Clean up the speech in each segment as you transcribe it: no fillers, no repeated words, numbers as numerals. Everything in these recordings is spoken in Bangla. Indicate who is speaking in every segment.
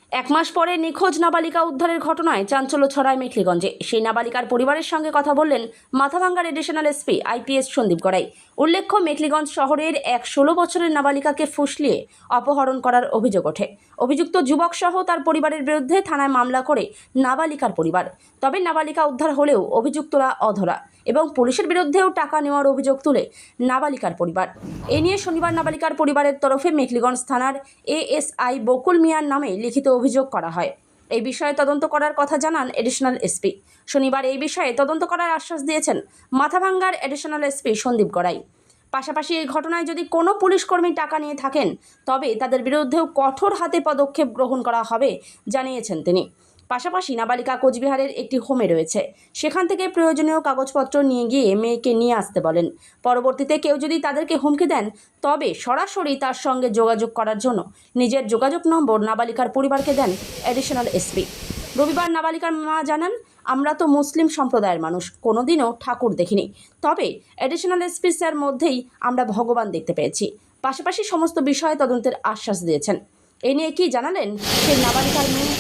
Speaker 1: এক মাস পরে নিখোঁজ নাবালিকা উদ্ধারের ঘটনায় চাঞ্চল্য ছড়ায় মেখলিগঞ্জে। সেই নাবালিকার পরিবারের সঙ্গে কথা বললেন মাথাভাঙ্গার additional SP IPS Sandip Garai. উল্লেখ্য, মেখলিগঞ্জ শহরের এক 16 বছরের নাবালিকাকে ফুসলিয়ে অপহরণ করার অভিযোগ ওঠে। অভিযুক্ত যুবক সহ তার পরিবারের বিরুদ্ধে থানায় মামলা করে নাবালিকার পরিবার। তবে নাবালিকা উদ্ধার হলেও অভিযুক্তরা অধরা এবং পুলিশের বিরুদ্ধেও টাকা নেওয়ার অভিযোগ তুলে নাবালিকার পরিবার। এ নিয়ে শনিবার নাবালিকার পরিবারের তরফে মেখলিগঞ্জ থানার এএসআই বকুল মিয়ার নামে লিখিত অভিযোগ করা হয়। এই বিষয়ে তদন্ত করার কথা জানান এডিশনাল এসপি। শনিবার এই বিষয়ে তদন্ত করার আশ্বাস দিয়েছেন মাথাভাঙ্গার এডিশনাল এসপি সন্দীপ গড়াই। পাশাপাশি এই ঘটনায় যদি কোনো পুলিশকর্মী টাকা নিয়ে থাকেন তবে তাদের বিরুদ্ধেও কঠোর হাতে পদক্ষেপ গ্রহণ করা হবে জানিয়েছেন তিনি। পাশাপাশি নাবালিকা কোচবিহারের একটি হোমে রয়েছে, সেখান থেকে প্রয়োজনীয় কাগজপত্র নিয়ে গিয়ে মেয়েকে নিয়ে আসতে বলেন। পরবর্তীতে কেউ যদি তাদেরকে হুমকি দেন তবে সরাসরি তার সঙ্গে যোগাযোগ করার জন্য নিজের যোগাযোগ নম্বর নাবালিকার পরিবারকে দেন এডিশনাল এসপি। রবিবার নাবালিকার মা জানান, আমরা তো মুসলিম সম্প্রদায়ের মানুষ, কোনোদিনও ঠাকুর দেখিনি, তবে এডিশনাল এসপি স্যার মধ্যেই আমরা ভগবান দেখতে পেয়েছি। পাশাপাশি সমস্ত বিষয়ে তদন্তের আশ্বাস দিয়েছেন। এ নিয়ে কি জানালেন সেই নাবালিকার মেয়ে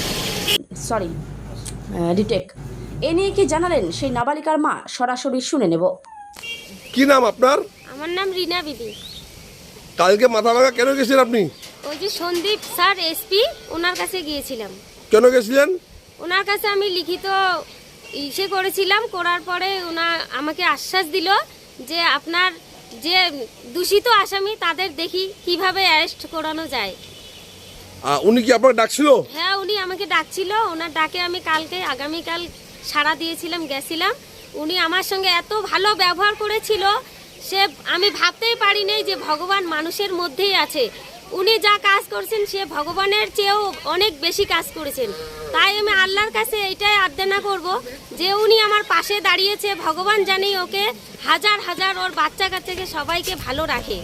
Speaker 1: এ নিয়ে কি জানালেন সেই নাবালিকার মা, সরাসরি শুনে নেব।
Speaker 2: কি নাম আপনার?
Speaker 3: আমার নাম রিনা বিবি।
Speaker 2: কালকে মাথাভাঙ্গা কেন গেছিলেন আপনি?
Speaker 3: ওই যে সন্দীপ স্যার এসপি, ওনার কাছে গিয়েছিলাম।
Speaker 2: কেন গেছিলেন?
Speaker 3: ওনার কাছে আমি লিখিত ইসে করেছিলাম, করার পরে ওনার আমাকে আশ্বাস দিল যে আপনার যে দূষিত আসামি তাদের দেখি কিভাবে অ্যারেস্ট করানো যায়।
Speaker 2: উনি কি আপনাকে ডাকছিল?
Speaker 3: হ্যাঁ, উনি আমাকে ডাকছিল। ওনার ডাকে আমি আগামীকাল সাড়া দিয়েছিলাম, গেছিলাম। উনি আমার সঙ্গে এত ভালো ব্যবহার করেছিল, সে আমি ভাবতেই পারিনি যে ভগবান মানুষের মধ্যেই আছে। উনি যা কাজ করছেন সে ভগবানের চেয়েও অনেক বেশি কাজ করেছেন। তাই আমি আল্লাহর কাছে এইটাই আর্দানা করব যে উনি আমার পাশে দাঁড়িয়েছে, ভগবান জানি ওকে হাজার হাজার ওর বাচ্চা কাচ্চাকে সবাইকে ভালো রাখে।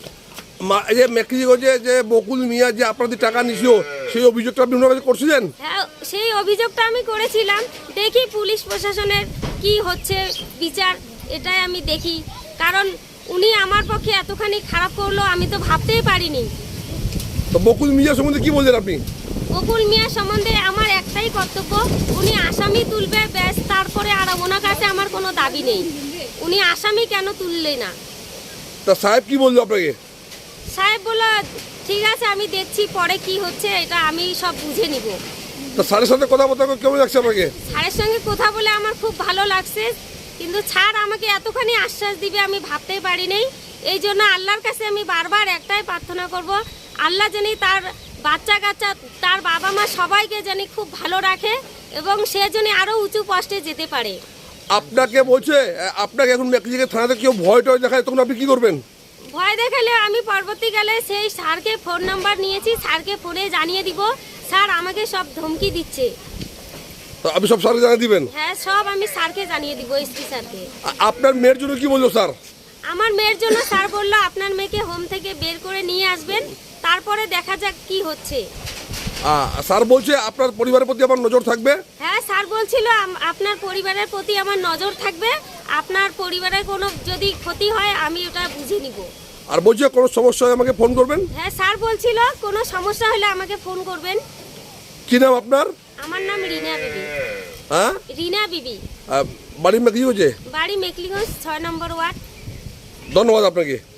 Speaker 2: যে মেখলিগঞ্জে যে বকুল মিয়া যে আপনাদের টাকা নিছিল, সেই অভিযোগটা আপনি ওনার কাছে করছিলেন?
Speaker 3: হ্যাঁ, সেই অভিযোগটা আমি করেছিলাম। দেখি পুলিশ প্রশাসনের কি হচ্ছে বিচার, এটাই আমি দেখি। কারণ উনি আমার পক্ষে এতখানি খারাপ করলো আমি তো ভাবতেই পারিনি।
Speaker 2: তো বকুল মিয়া সম্বন্ধে কি বললেন আপনি?
Speaker 3: বকুল মিয়া সম্বন্ধে আমার একটাই কর্তব্য, উনি আসামি তুলবে ব্যাস, তারপরে আর ওনার কাছে আমার কোনো দাবি নেই। উনি আসামি কেন তুললে না?
Speaker 2: তা সাহেব কি বললো আপনাকে?
Speaker 3: সাহেব বলল ঠিক আছে, আমি দেখছি পরে কি হচ্ছে, এটা আমি সব বুঝে নিব।
Speaker 2: তা স্যারের সাথে কথাবার্তা কেমন লাগছে আপনাকে?
Speaker 3: স্যারের সঙ্গে কথা বলে আমার খুব ভালো লাগছে, কিন্তু স্যার আমাকে এতখানি আশ্বাস দিবে আমি ভাবতেই পারিনি। এই জন্য আল্লাহর কাছে আমি বারবার একটাই প্রার্থনা করব, আল্লাহ জানি তার বাচ্চা কাচ্চা, তার বাবা মা সবাইকে জানি খুব ভালো রাখে এবং সে জানি আরও উঁচু পোস্টে যেতে পারে।
Speaker 2: আপনাকে বলছে, আপনাকে এখন মেখলিগঞ্জ থানাতে কেউ ভয় টয় দেখায়, তখন আপনি কি করবেন?
Speaker 3: ভয় দেখালে আমি পরবর্তীকালে সেই স্যারকে ফোন নাম্বার নিয়েছি, স্যারকে ফোনে জানিয়ে দিব। স্যার আমাকে সব ধমকি দিচ্ছে।
Speaker 2: তো আপনি সব স্যারকে জানিয়ে দিবেন?
Speaker 3: হ্যাঁ, সব আমি স্যারকে জানিয়ে দিব, এসপি স্যারকে।
Speaker 2: আপনার মেয়ের জন্য কি বললো স্যার?
Speaker 3: আমার মেয়ের জন্য স্যার বললো আপনার মেয়েকে হোম থেকে বের করে নিয়ে আসবেন, তারপরে দেখা যাক কি হচ্ছে।
Speaker 2: স্যার বলছে আপনার পরিবারের প্রতি আমার নজর থাকবে?
Speaker 3: হ্যাঁ, স্যার বলছিল আপনার পরিবারের প্রতি আমার নজর থাকবে, আপনার পরিবারের কোনো যদি ক্ষতি হয় আমি ওটা বুঝে নিব।
Speaker 2: আর বলছে কোনো সমস্যা হলে আমাকে ফোন করবেন?
Speaker 3: হ্যাঁ, স্যার বলছিল কোনো সমস্যা হলে আমাকে ফোন করবেন।
Speaker 2: কি নাম আপনার?
Speaker 3: আমার নাম রিনা বিবি।
Speaker 2: হ্যাঁ,
Speaker 3: রিনা বিবি।
Speaker 2: বাড়ি মেখলিগঞ্জে?
Speaker 3: বাড়ি মেখলিগঞ্জ 6 নম্বর ওয়ার্ড।
Speaker 2: ধন্যবাদ আপনাকে।